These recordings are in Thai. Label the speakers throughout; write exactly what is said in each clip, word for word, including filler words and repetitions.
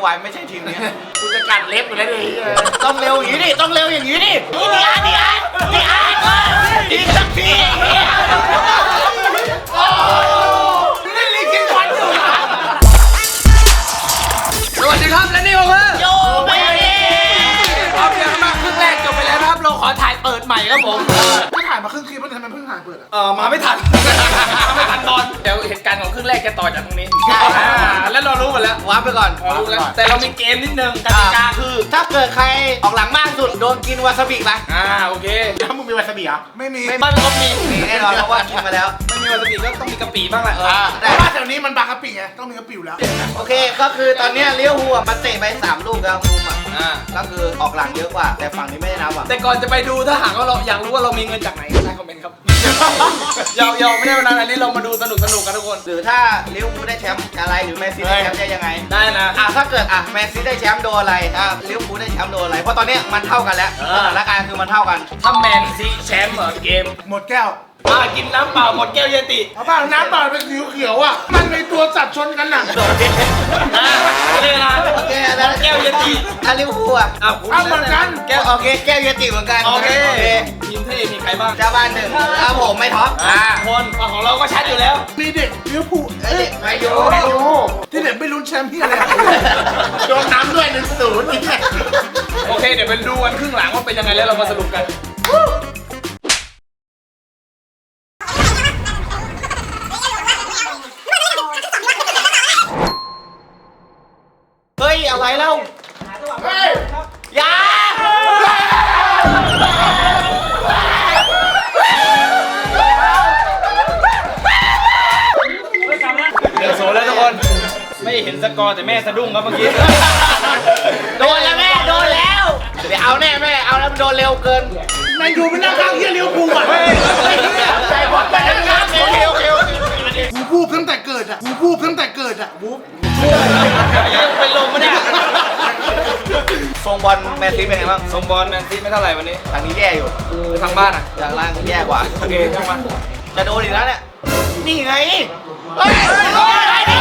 Speaker 1: วไม่ใช่ทีมนี้
Speaker 2: กูจะกัดเล็บอยู่แล้วดิ
Speaker 1: ต้องเร็วอย่างนี้ดิต้องเร็วอย่างนี้ดินี่อ่ะนี่อ่ะนี่อ่ะอีกสักที
Speaker 2: เล่นลิงกินควันอยู่สวัสดีครับและนี่คือ
Speaker 1: โยเบย์
Speaker 2: พร้อมยังมาครึ่งแรกจบไปแล้วนะครับเราขอถ่ายเปิดใหม่ครับผม
Speaker 3: ก็ถ่ายมาครึ่งคลิปมันทำไมเพิ่งถ่ายเปิดอ่ะ
Speaker 2: เออมาไม่ทันไม่ทันตอนเดี๋ยวเหตุการณ์ของครึ่งแรกจะต่อจากตรงนี้แล้วเรารู้หมดแล้ว
Speaker 1: วาร์ปไปก่อน
Speaker 2: เรารู้แล้วแต่เรามีเกมนิดนึงกติกาคือ
Speaker 1: ถ้าเกิดใครออกหลังมากสุดโดนกินวาซาบิไป
Speaker 2: อ่าโอเค
Speaker 3: แล้วมึงมีวาซาบิเหรอไม่มี
Speaker 1: ไม่บ้านก็มีมีแน่นอนเพราะว่ากินมาแล้ว
Speaker 2: ไม่มีวาซาบิก็ต้องมีกะปิบ้างแหละเออ
Speaker 3: เพราะว่าแถวนี้มันบางกะปิไงต้องมีกะปิอยู่แล้ว
Speaker 1: โอเคก็คือตอนนี้เลี้ยวหัวมันเตะไปสามลูกแล้วมุมอ่ะ
Speaker 2: อ่า
Speaker 1: ก็คือออกหลังเยอะกว่า แต่ฝั่งนี้ไม่ได้นับอ่ะ
Speaker 2: แต่ก่อนจะไปดูถ้าหากว่าเราอยากรู้ว่าเรามีเงินจากไหนก็ใต้คอมเมนต์ครับยาวยาวไม่ได้วันนั้นอันนี้เรามาดูสนุกสนุกกันทุกคน
Speaker 1: หรือถ้าเลี้ยวพูได้แชมป์อะไรหรือแมนซีได้แชมป์ได้ยังไง
Speaker 2: ได้นะ
Speaker 1: อ่ะถ้าเกิดอ่ะแมนซีได้แชมป์โดนอะไรถ้าเลี้ยวพูได้แชมป์โดนอะไรเพราะตอนนี้มันเท่ากันแล้วสถานการณ์คือมันเท่ากัน
Speaker 2: ถ้าแมนซีแชมป์เหรอเกม
Speaker 3: หมดแก้ว
Speaker 2: มากินน้ำเปล่าหมดแก้วเยติ
Speaker 3: เอาเปล่าน้ำเปล่าเป็นสีเขียวอ่ะมันมีตัวสัตว์ชนกันหนัก
Speaker 2: อ่าเลยนะ
Speaker 1: โอเคแล้ว
Speaker 2: แก้วเยติ
Speaker 1: ถ้าเลี้ยวพูอ่ะ
Speaker 2: อ่ะ
Speaker 3: เอาเหมือนกัน
Speaker 1: แก้วโอเคแก้วเยติเหมือนกัน
Speaker 2: โอเคทีมเท่มีใครบ้าง
Speaker 1: เจ้าบ้านหนึ่งครับผมไม่ท็อป
Speaker 2: อ่าคนของเราก็ชัดอยู่แล้ว
Speaker 3: มีเด็กลิเวอร์พูลเอ้ย
Speaker 1: ไม่อยู่
Speaker 3: ไม่อยู่ที่เด็กไม่ลุ้นแชมป์ที่อะไรโดนน้ำด้วยหนึ่งศูนย์นี่
Speaker 2: โอเคเดี๋ยวไปดูกันครึ่งหลังว่าเป็นยังไงแล้วเรามาสรุปกัน
Speaker 1: เฮ้ยอะไรเล่า
Speaker 3: เฮ้ย
Speaker 1: ยา
Speaker 2: เดี๋ยวโซแล้วทุกคนไม่เห็นสกอร์แต่แม่สะดุ้งครับเมื่อกี้
Speaker 1: โดนแล้วแม่โดนแล้วเดี๋ยวเอาแน่แม่เอาแล้วมันโดนเร็วเกิน
Speaker 3: แมนยูเป็นนักข้างเฮียลิเวอร์พูลอ่ะ
Speaker 1: ใจบอลไปแล้วนะโอเคโอเคโอเค
Speaker 3: กูพูดตั้งแต่เกิดอ่ะกูพูดตั้งแต่เกิดอ่ะวูบ
Speaker 2: เป็นลมมาเนี่ย
Speaker 1: ทรงบอลแมนซีเป็นไงบ้าง
Speaker 2: ทรงบอลแมนซีไม่เท่าไหร่วันนี้
Speaker 1: ทางนี้แย่อยู่
Speaker 2: ทางบ้านอ่ะ
Speaker 1: อย่างล่างแย่กว่า
Speaker 2: โอเคช่างมัน
Speaker 1: จะโดนอีกแล้วเนี่ยนี่ไงเฮ้ยอะไรเนี่ย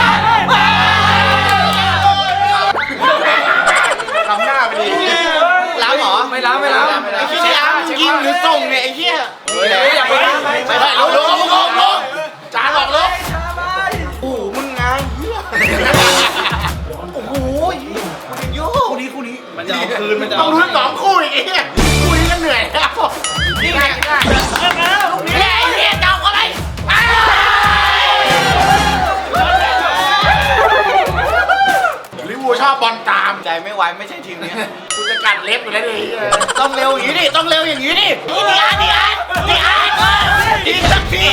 Speaker 1: ทำหน้าไปดิล้างหรอ
Speaker 2: ไม่ล้างไม่ล้าง
Speaker 1: ไอ้เหี้ยล้างยิงหรือส่งเนี่ยไอ้เหี้ย
Speaker 2: เฮ้ยอย่าไปล้าง
Speaker 1: ไม่ใช่ลงลงลงลงจานออกลงโอ้มึงไงเหี้ยโอ้โหมันเยอะคู่นี้คู่นี้
Speaker 2: มันจะเอาคืนมันจะ
Speaker 3: ต้อ
Speaker 2: เอา
Speaker 3: งลุ้นสองคู่อีกเนี่ยคู่นี้ก็เหนื่อยแล้ว
Speaker 1: นี่ไงนี่แหละไอ้เหี้ยจับอะไร
Speaker 3: ลิเวอร์พูลชอบบอลตาม
Speaker 1: ใจไม่ไหวไม่ใช่ทีมนี้
Speaker 2: กูจะกัดเล็บอยู่แล้วดิ
Speaker 1: ต้องเร็วอย่างนี้ดิต้องเร็วอย่างนี้ดินี่อ่ะนี่อ่ะนี่อ่ะอีกสักที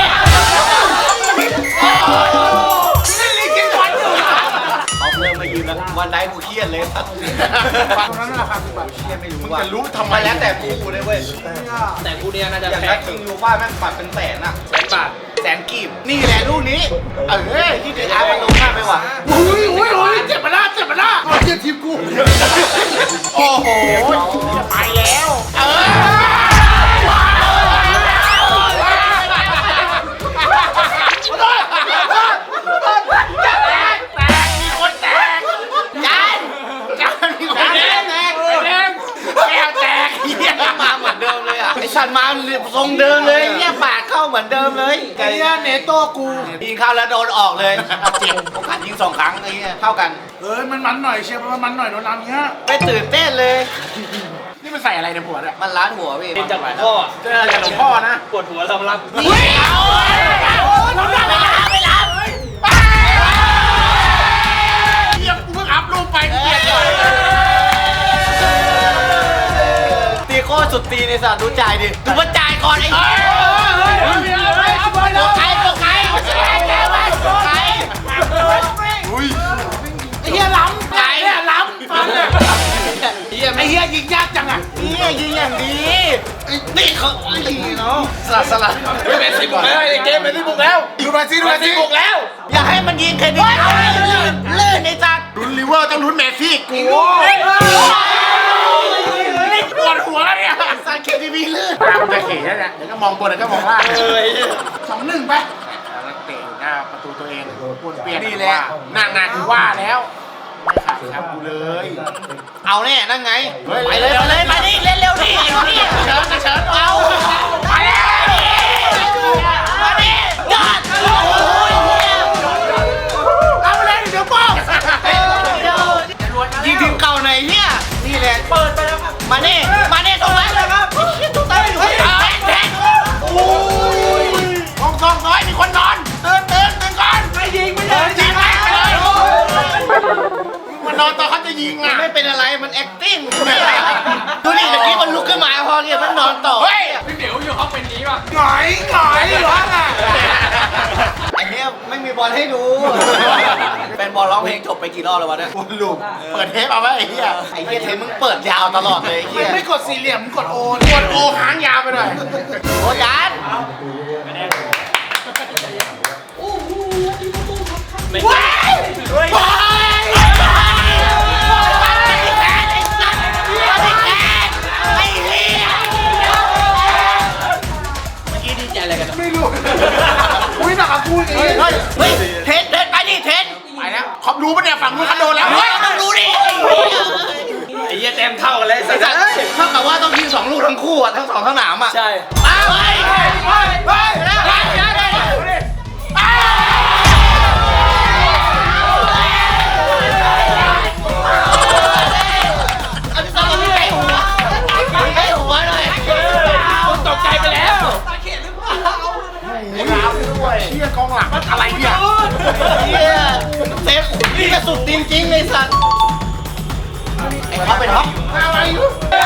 Speaker 3: เล่นลิงกินควันอยู่
Speaker 1: เอาเพิ่มมายืนแล้ววันไหนกูเครียดเลยครับ
Speaker 3: ฟังนั้นราคาสิบบาท
Speaker 1: เครียดไม่รู้
Speaker 3: มึง
Speaker 1: ว่า
Speaker 3: จะรู้ทำไม
Speaker 1: มันแล้วแต่กูเลยเว้ย
Speaker 2: แต่กูเนี่ยน่าจะ
Speaker 1: อย่าง
Speaker 2: แพ้
Speaker 1: นักคิงยูฟ่าแม่งปัดเป็นแสนอะ
Speaker 2: แสนบาท
Speaker 1: แสนกีบนี่แหละลูกนี้เออที่เดือดอาร์มันลงมากไปว่ะ
Speaker 3: อุ้ยอุ้ยอุ้ยเจ็บมาละเจ็บมาละเอาเจ็บทีมกูโอ้โหจะไปแล้วเอ
Speaker 1: มาเหมือนเดิมเลยอ่ะไอสันมาทรงเดิมเลยเนี่ยปากเข้าเหมือนเดิมเลย
Speaker 3: ไอ้เนี่ยเนโต้กู
Speaker 1: ยิงเข้าแล้วโดนออกเลยเจ็บโอกาสยิงสองครั้งไอ้เนี่ยเท่ากัน
Speaker 3: เอ้ยมันมันหน่อยเชียร์มันมันหน่อยโดนน้ำเงี้ย
Speaker 1: ไม่ตื่นเต้นเลย
Speaker 3: นี่มันใส่อะไรในหัวเนี่ย
Speaker 1: มันล้านหัวพี่
Speaker 2: เป็นจากพ่อ
Speaker 3: เจอจากหลวงพ่อนะ
Speaker 2: ปวดหัวเรารับ
Speaker 1: เฮ้ยเอาเราไม่รับไม่รับ
Speaker 3: เฮียกูเพิ่งอัพรูปไปเกลียดเลย
Speaker 1: ตีโคตรสุดตีในสัตว์ดูจ่ายดิดูว่าจ่ายก่อนไอ้
Speaker 3: เฮ้
Speaker 1: เหี้
Speaker 3: ย
Speaker 1: ย
Speaker 3: เฮ้ยเฮ้ยเอาบอลเลย
Speaker 1: ใครบอกใครใครวะใคร
Speaker 3: ไอ้เฮียล้ำไก่เนี่ยล้ำฟันเนี่ย
Speaker 2: เฮีย
Speaker 3: ไอ้เฮียยิงยากจังอ่ะ
Speaker 1: นี่ยิงอย่างดีนี่เขาไอ้เนาะสลัดสลัด
Speaker 2: ไม่เป็นสิบบุกแล้วไอ้เกมเป็นสิบบุกแล้ว
Speaker 3: ดูมาซิดู
Speaker 2: เป็
Speaker 3: มาน
Speaker 2: สิ
Speaker 3: ซิ
Speaker 2: บบุกแล้ว
Speaker 1: อย่าให้มันยิงแค่นี้ลื่นลื่นไอ้สัตว์
Speaker 3: ลุ้นลิเวอร์ต้องลุ้นเมสซี่กูปวดหัวแล้วเนี่ย
Speaker 1: สัตว์เคทีวีลื่น
Speaker 3: ตามจะเข็นแล้วเนี่ยเดี๋ยวก็มองบนเดี๋ยวก็มองล่าง
Speaker 2: เอ้ย
Speaker 3: สองหนึ่งไปนักเตะหน้าประตูตัวเองปวนเปลี่ยนนี่แหละนั่งงานว่าแล้วขาดแชมป์กูเลย
Speaker 1: เอาแน่นั่งไง
Speaker 3: เฮ้ย
Speaker 1: ไปเลยไปเลยมาดิเล่นเร็วดิไอ้นี่
Speaker 3: เชิญเชิญ
Speaker 1: เอาไปเลยมาดิยอดโอ้ย
Speaker 3: เอาไปเลยเดี๋ยวป้อง
Speaker 1: ยิงทีมเก่าหน่อยเฮียนี่แหละเปิดไปแล้วครับมาดิมาดิตรงนั้นเลยครับตรงนั้นแทงแทง
Speaker 3: โอ้ยกองกองน้อยมีคนนอนเตือนเตือนเตือนก่อนไม่ยิงไม่ยิงยิงไปเลยมันนอนตอนเขาจะยิงอ่ะ
Speaker 1: ไม่เป็นอะไรมัน acting ดูดิเมื่อกี้มันลุกขึ้นมาพอเนี่ยมันนอนต่อ
Speaker 3: เฮ้ย
Speaker 2: พี่เหมียวอยู่เขาเป็นนี้ป่ะ
Speaker 3: หงอยหงอยร้องอ่ะ
Speaker 1: ไอ้เนี้ยไม่มีบอลให้ดูเป็นบอลร้องเพลงจบไปกี่รอบแล้ววะเนี่ย
Speaker 3: วนลูปเปิดเทปเอาไว้ไอ้เหี้ย
Speaker 1: ไอ้เหี้ยเทปมึงเปิดยาวตลอดเลยไอ้เหี้ย
Speaker 3: ไม่กดสี่เหลี่ยมกดโอนกดโอหางยาวไปหน่อย
Speaker 1: โอ้จาน
Speaker 3: ว้ายว้ายไม่รู้อุ้ยหนักกับกูอย่างงี้
Speaker 1: เฮ้ยเฮ้ยเทนเทนไปดิเทน
Speaker 3: ไปแล้วขอบรู้ปะเนี่ยฝั่งนู้นเขาโดนแล้ว
Speaker 1: เฮ้ยต้องดูดิ
Speaker 2: ไอ้เหี้ยเต็มเท่ากันเลย
Speaker 1: ไอ้สัตว์เท่ากับว่าต้องยิงสองลูกทั้งคู่อ่ะทั้งสองสนามอ่ะ
Speaker 2: ใช่
Speaker 1: อ้าวเฮ้ยเฮ้ยเฮ้ยเฮ้ยเฮ้ยอ้าวเอาที่ต้องให้หัวให้หัวหน่อย
Speaker 2: ผมตกใจไปแล้ว
Speaker 3: เชี่ยกองหลังอะไรเนี่ย
Speaker 1: เฮียเซฟนี่กระสุดจริงๆเลยสัตว์ไอ้ท็อปเป็นท็อป
Speaker 3: อะไรอยู่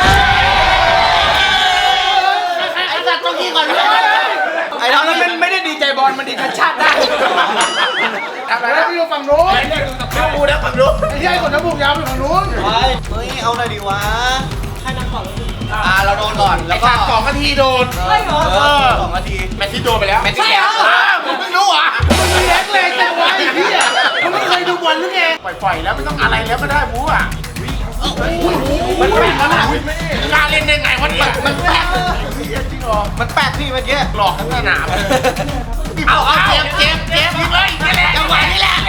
Speaker 1: ไอ้สัตว์ต้องยิงก่อนเลยไอ้ท็อป
Speaker 2: แล้วมันไม่ได้ดีใจบอลมันดีใจชาติได้
Speaker 3: ทำอะไรแล้วพี่อยู่ฝั่งนู้น
Speaker 1: กูนะฝั่งนู้น
Speaker 3: ไอ้เหี้ยคนน้ำบุกยาวไปฝั่งนู้น
Speaker 1: ไปเฮ้ยเอาหน่อยดิวะอ่าเราโดนก่อน
Speaker 3: แล้
Speaker 1: แล้ว ว
Speaker 3: ก็
Speaker 1: ก็
Speaker 3: สองนาทีโดน
Speaker 1: เออสองนาที
Speaker 3: แมตช์ที่โดนไปแล้ว
Speaker 1: แมตช์ที่แล้ว
Speaker 3: มึงไม่รู้อ่ะมึงเล็กเลยแต่ไว้พี่อ่ะมึงไม่เคยดูบอลหรือไงปล่อยๆแล้วไม่ต้องอะไรแล้วก็ได้บู๊อ่ะมันแปลกมันกล้าเล่นได้ไงวะเนี่ย
Speaker 1: มันแปลก
Speaker 3: จริงเหรอ
Speaker 1: มันแปลกพี่เมื่อกี้
Speaker 3: หลอกทั้งสนาม
Speaker 1: เอาเอาเจ็บเจ็บเจ็บ
Speaker 3: ยิงเลยนี่แหละ
Speaker 1: จังหวะนี้แหละ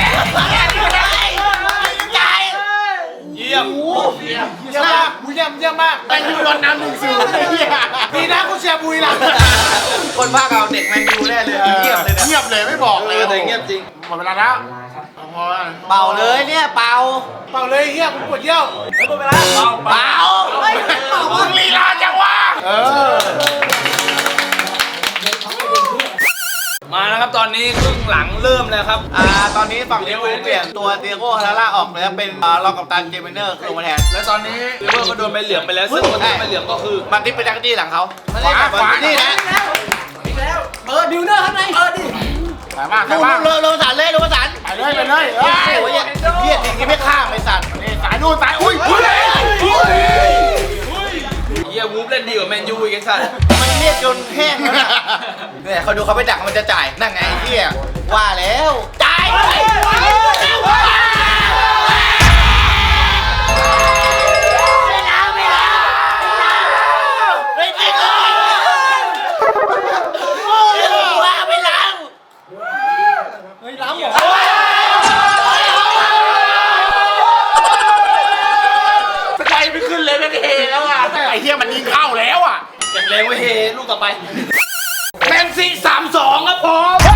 Speaker 1: ใจ
Speaker 2: เยี่ยม
Speaker 3: เยี่ยมมากบูเยี่ยมเยี่ยมมากแต่ยูโดนน้ำหนึ่งศูนย์ดีนะกูเชียร์บุยละ
Speaker 1: คนภาคเอาเด็กแมนยูแน่เลยเงียบเลยเนี่ย
Speaker 3: เงียบเลยไม่บอกเลย
Speaker 2: แต่เงียบจริง
Speaker 3: หมดเวลาแล้วพอ
Speaker 1: เป่าเลยเนี่ยเป่า
Speaker 3: เป่าเลยเฮียกูปวดเยี่ยว
Speaker 1: เป่า
Speaker 3: มึงลีลาจังวะเออ
Speaker 2: มานะครับตอนนี้ครึ่งหลังเริ่มแล้วครับ
Speaker 1: อ่าตอนนี้ฝั่งลิเวอร์พูลเปลี่ยนตัวเตียโก้ฮาราล่าออกแล้วเป็นอ่ารองกัปตันเจมิเนอร์ลงมาแทน
Speaker 2: และตอนนี้ลิเวอร์ก็โดนใบเหลืองไปแล้วซึ่งคนที่ใบเหลืองก็คือ
Speaker 1: มันทิปไปจักรจี้หลังเขา
Speaker 3: ขวาขวา
Speaker 1: นี่นะ
Speaker 2: เปิดดิวเนอร์ข้างในเปิดดิ
Speaker 3: ไปบ้างไป
Speaker 1: ลง
Speaker 3: บ้าง
Speaker 1: ลงลงสารเลยลงสาร
Speaker 3: ไปเลยไปเลย
Speaker 1: โอ้ยเฮียจริงที่ไม่ข้ามไอ้สัตว์
Speaker 3: สายนู่นสายอุ้ยอุ้ย
Speaker 2: เยี่ยวูฟเล่นดีกว่าแมนยูอีกไอ้สัส
Speaker 1: มันเรียกจนแห้งแล้วนะเนี่ยเขาดูเขาไปดักมันจะจ่ายนั่นไงไอ้เฮียว่าแล้วจ่าย
Speaker 3: ใจไม่ขึ้นเลยไม่เทแล้วอ่ะไอ้เฮียมันยิงเข้าแล้วอ่ะ
Speaker 2: เก็บแรงไว้เฮลูกต่อไปแมนซีสามสองครับผม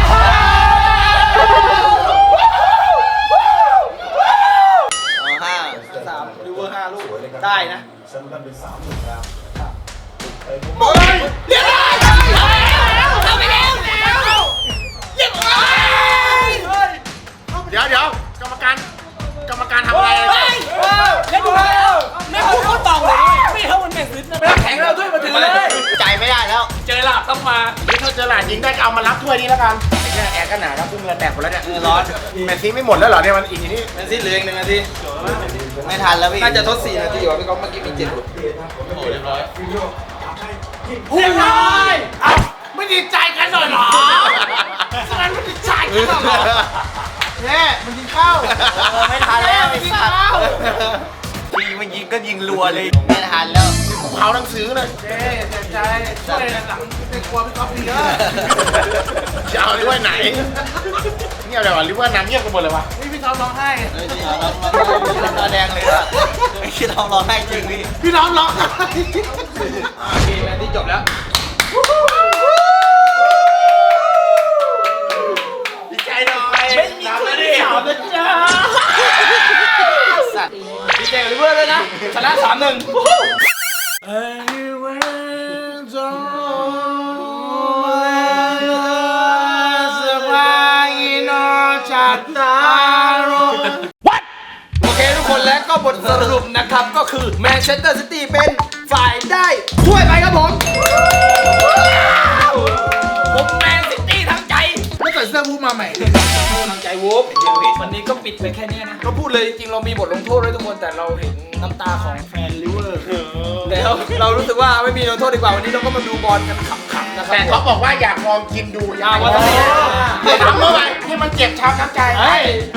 Speaker 1: ห้า
Speaker 2: สามลิเวอร์ห้าลูกได้นะ
Speaker 1: เรียบร้อยเข้าไปแล้วเรียบร้อย
Speaker 3: เดี๋ยวเดี๋ยวกรรมการกรรมการทำอะไร
Speaker 2: เล่นดูแล้วไม่พูดเขาเต่าเลยไม่เท่ามันแมนซีนะไม่แข็งเราด้วยมาถึงเลย
Speaker 1: จ่ายไม่ได้แล้ว
Speaker 2: เจอหลาบต้องมา
Speaker 3: นี่ถ้าเจอหลานยิงได้ก็เอามารับถ้วยนี้แล้วกันไอ้เนี่ยแอร์ก็หนาแล้วพุ่งเงินแตกหมดแล้วเนี่ย
Speaker 2: ร้อน
Speaker 3: แมนซีไม่หมดแล้วเหรอเนี่ยมันอีกทีนี้
Speaker 2: แมนซีเหลืออีกหนึ่งนาที
Speaker 1: ไม่ทันแล้วพี่
Speaker 2: น่าจะทดสี่นาทีว่ะพี่ก๊อฟเมื่อกี้มีเจ็ดลูกโอ้เรียบร้อย
Speaker 3: เรียบร้อยเอ้าไม่ดีใจกันหน่อยเหรอฉะนั้นไม่ดีใจกันหรอเนี่ยมันยิงเข้า
Speaker 1: ไม่ทันแล้ว
Speaker 3: มั
Speaker 1: ไอ้
Speaker 3: นยิง
Speaker 1: สัตว์
Speaker 3: เข้า
Speaker 1: ทีมันยิงก็ยิงรัวเลยไม่ทันแล้ว
Speaker 3: เผาหนังสือเลยเจ๊เสียใจช่วยหลังในครัวพี่ก๊อฟดีเยอะจะเอาด้วยไหนเงียบเลยวะหรือว่าน้ำเงียบกันหมดเลยวะนี่พี่
Speaker 2: ท็อปร้องไห้
Speaker 1: เฮ้ยจริงเหรอเราตาแดงเลยอะไอ้คิดเราร้องไห้จริงพี่
Speaker 3: พี่น้องร้องไห้
Speaker 2: โอเคแมนที่จบแล้ว
Speaker 3: ดีใจหน่อยไม่มีคนที่สามนะจ๊ะ
Speaker 2: สัตว์ดีใจกับลิเวอร์เลยนะชนะสามหนึ่ง โอเคทุกคนและก็บทสรุปนะครับก็คือแมนเชสเตอร์ซิตี้เป็นฝ่ายได้ถ้วยไปครับผมผมแมนซิตี้ทั้งใจ
Speaker 3: ไม่ใส่เสื้อวูมาใหม่
Speaker 2: ทั้งใจวูฟวันนี้ก็ปิดไปแค่นี้นะก็พูดเลยจริงๆเรามีบทลงโทษด้วยทุกคนแต่เราเห็นน้ำตาของแฟนลิเวอร์แล้วเรารู้สึกว่าไม่มีลงโทษดีกว่าวันนี้เราก็มาดูบอลกันขำๆนะครับ
Speaker 3: แต่เขาบอกว่าอยากลองกินดู
Speaker 2: อ่าว่าทำไม
Speaker 3: เดี๋ยวทำเมื่อไหร่ที่มันเจ็บช้ำน้ำใจ
Speaker 2: เฮ้ย
Speaker 3: ไป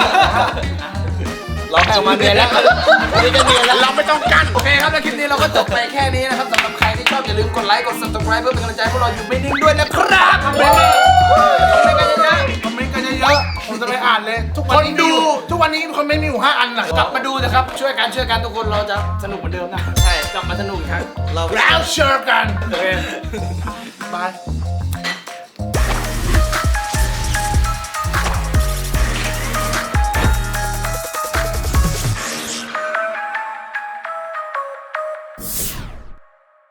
Speaker 1: เราแพ้มาเดือนแล้ววันนี้จะเดือนแล้ว
Speaker 3: เราไม่ต้องกัน
Speaker 2: โอเคครับแล้วคลิปนี้เราก็จบไปแค่นี้นะครับสำหรับใครที่ชอบอย่าลืมกดไลค์กด subscribe เพื่อเป็นกำลังใจให้พวกเราอยู่ไม่นิ่งด้วยนะครับคอมเมนต์คอมเมนต์กันเยอะ
Speaker 3: คอมเมนต์กันเยอะๆผมจะไปอ่านเลย ทุกวันนี้
Speaker 2: คนดู
Speaker 3: มีอยู่ทุกวันนี้คอมเมนต์มีอยู่ห้าอันนะ
Speaker 2: ๆกลับมาดูนะครับช่วยกันช่วยกันทุกคนเราจะสนุกเหมือนเดิมนะใช่กลับมาสนุกอีกครั้ง
Speaker 1: เรา
Speaker 3: แล้วเชิญกัน
Speaker 2: โอเค
Speaker 3: บาย